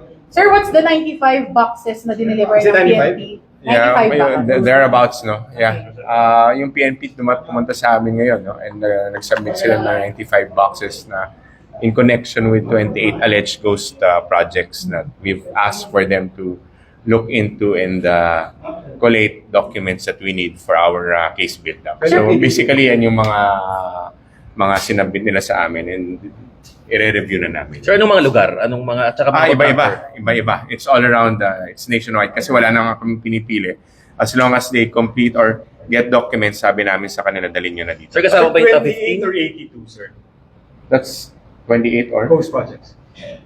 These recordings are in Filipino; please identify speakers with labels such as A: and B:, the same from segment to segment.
A: Sir, what's the 95 boxes na dineliver
B: Is it
A: ng
B: 95?
A: PNP?
C: Yeah,
A: 95 boxes.
C: thereabouts, no? Yeah. Yung PNP pumunta sa amin ngayon, no? And nag-submit sila ng 95 boxes na in connection with 28 alleged ghost projects that we've asked for them to look into and collate documents that we need for our case build-up. So basically, yan yung mga sinabit nila sa amin and i-review na namin.
B: Sir, anong mga lugar? Anong mga, at saka mga
C: Iba-iba. It's all around, it's nationwide kasi wala na nga kami pinipili. As long as they complete or get documents, sabi namin sa kanila, dalhin nyo na dito.
B: Sir, kasama ba yung top
D: 28
B: 15?
D: or 82, sir?
C: That's 28 or?
D: Ghost projects.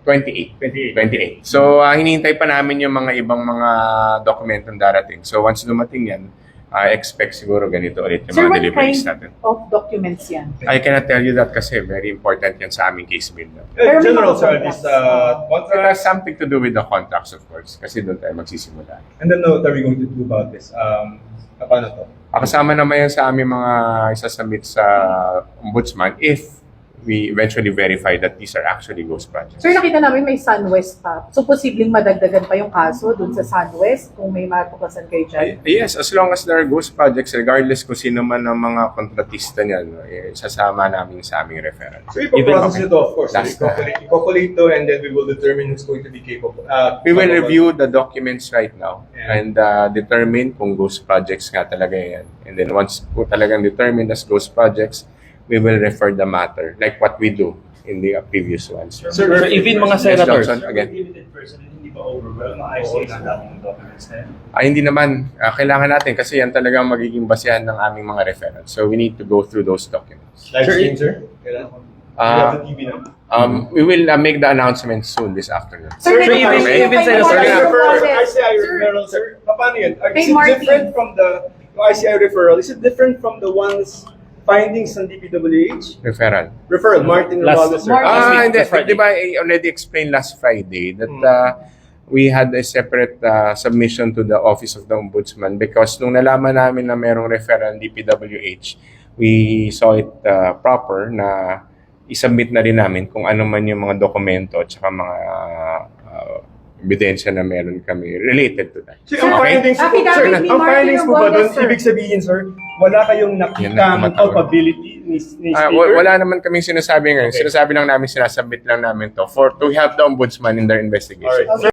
C: 28. So, hinihintay pa namin yung mga ibang mga dokumentong darating. So, once dumating yan, I expect siguro ganito ulit yung
A: Sir,
C: mga
A: what
C: deliveries
A: kind
C: natin.
A: of documents yan?
C: I cannot tell you that kasi very important yan sa aming case build.
A: Pero may
D: General,
A: mga
D: sir,
A: contracts.
D: this
C: It has
D: contract,
C: something to do with the contracts, of course, kasi doon tayo magsisimula.
D: and then what are we going to do about this? Paano to?
C: Kasama naman yan sa aming mga isasubmit sa ombudsman if we eventually verify that these are actually ghost projects.
A: Sir, nakita namin may SunWest pa. So, posibleng madagdagan pa yung kaso dun sa SunWest kung may matuklasan kayo dyan?
C: Yes, as long as there are ghost projects, regardless kung sino man ang mga kontratista niyan, sasama namin sa aming referral.
D: So, ipaprocess
C: Even-
D: ito, of course.
C: That's
D: I-calculate to, and then we will determine who's going to be capable.
C: We will review the documents right now
D: Yeah.
C: and determine kung ghost projects nga talaga yan. And then once po talagang determined as ghost projects, we will refer the matter like what we do in the previous ones.
B: Sir, even mga
C: Yes,
B: senators.
C: Johnson, again.
E: Limited person, hindi ba overwhelmed? Ayos na dami ng documents na yan.
C: Hindi naman. Kailangan natin kasi yan talagang magiging basehan ng aming mga referrals. So we need to go through those documents.
D: Live
B: Sir,
D: stream, sir? Kailan?
C: Uh,
D: We have the TV now.
C: We will make the announcement soon this afternoon.
A: Sir,
B: Sir,
A: may
B: even-
A: mga-
B: even
A: may
B: Senator-
A: mga process.
D: ICI
A: Sir,
D: referral, sir. Paano yun?
A: Kay
D: Is it
A: Martin.
D: different from the ICI referral? Is it different from the ones findings ng DPWH?
C: Referral.
D: Referral, Martin
B: Last-
D: Romualdez, sir.
A: Martin.
B: week,
C: Hindi.
B: last Friday.
C: Di ba, I already explained last Friday that we had a separate submission to the Office of the Ombudsman because nung nalaman namin na merong referral ng DPWH, we saw it proper na isubmit na rin namin kung ano man yung mga dokumento at saka mga ebidensya na meron kami related to that.
D: So, ang
C: Okay?
D: findings,
A: Affidavit
D: sir,
A: ni
D: ang
A: Martin
D: findings po ba
A: Romualdez,
D: doon,
A: sir.
D: ibig sabihin, sir, wala kayong
C: Yan na,
D: nakitang
C: tumatawag.
D: culpability ni Speaker?
C: Wala naman kaming sinasabi ngayon.
D: Okay.
C: Sinasabi lang namin, sinasubmit lang namin to to help the Ombudsman in their investigation.
D: Alright.